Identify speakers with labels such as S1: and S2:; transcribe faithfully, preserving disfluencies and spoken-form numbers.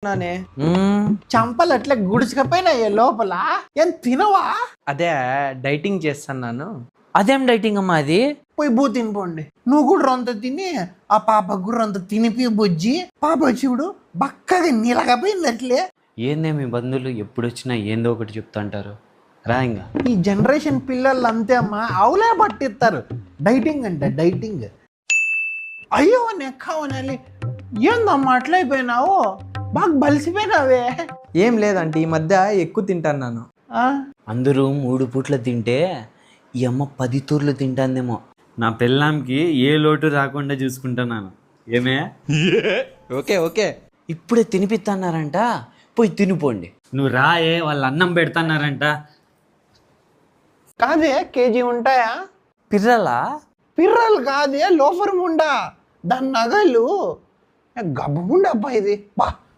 S1: నానే
S2: చంపలు అట్లా గుడిచకపోయినాయే లోపల ఏం తినవా?
S1: అదే డైటింగ్ చేస్తున్నాను.
S3: అదేం డైటింగ్ అమ్మా అది?
S2: పోయి బూ తినిపోండి. నువ్వు కూడా రొంత తిని ఆ పాప కూడా రొంత తినిపి బుజ్జి. పాప చూడు బక్కగా నీలకపోయింది అట్లే.
S3: ఏందే మీ బంధువులు ఎప్పుడు వచ్చినా ఏందో ఒకటి చెప్తుంటారు రా. ఇంకా
S2: ఈ జనరేషన్ పిల్లలు అంతే అమ్మా, అవులే పట్టిస్తారు డైటింగ్ అంటే డైటింగ్. అయ్యో నెక్కవనాలి, ఏందమ్మా అట్లయిపోయినావు? బాగా బలిసిపోయినావే.
S1: ఏం లేదంటే ఈ మధ్య ఎక్కువ తింటాను.
S3: అందరూ మూడు పూట్ల తింటే ఈ అమ్మ పది తూర్లు తింటాందేమో. నా పెళ్ళాంకి ఏ లోటు రాకుండా చూసుకుంటున్నాను. ఏమే?
S1: ఓకే ఓకే
S3: ఇప్పుడే తినిపిస్తున్నారంట, పోయి తినిపోండి. నువ్వు రాయే, వాళ్ళు అన్నం పెడతాన్నారంట.
S2: కాదే కేజీ ఉంటాయా?
S3: పిర్రలా?
S2: పిర్రలు కాదే, లోఫర్ ముండా. దాని నగలు గబ్బగుండబ్బా ఇది. బా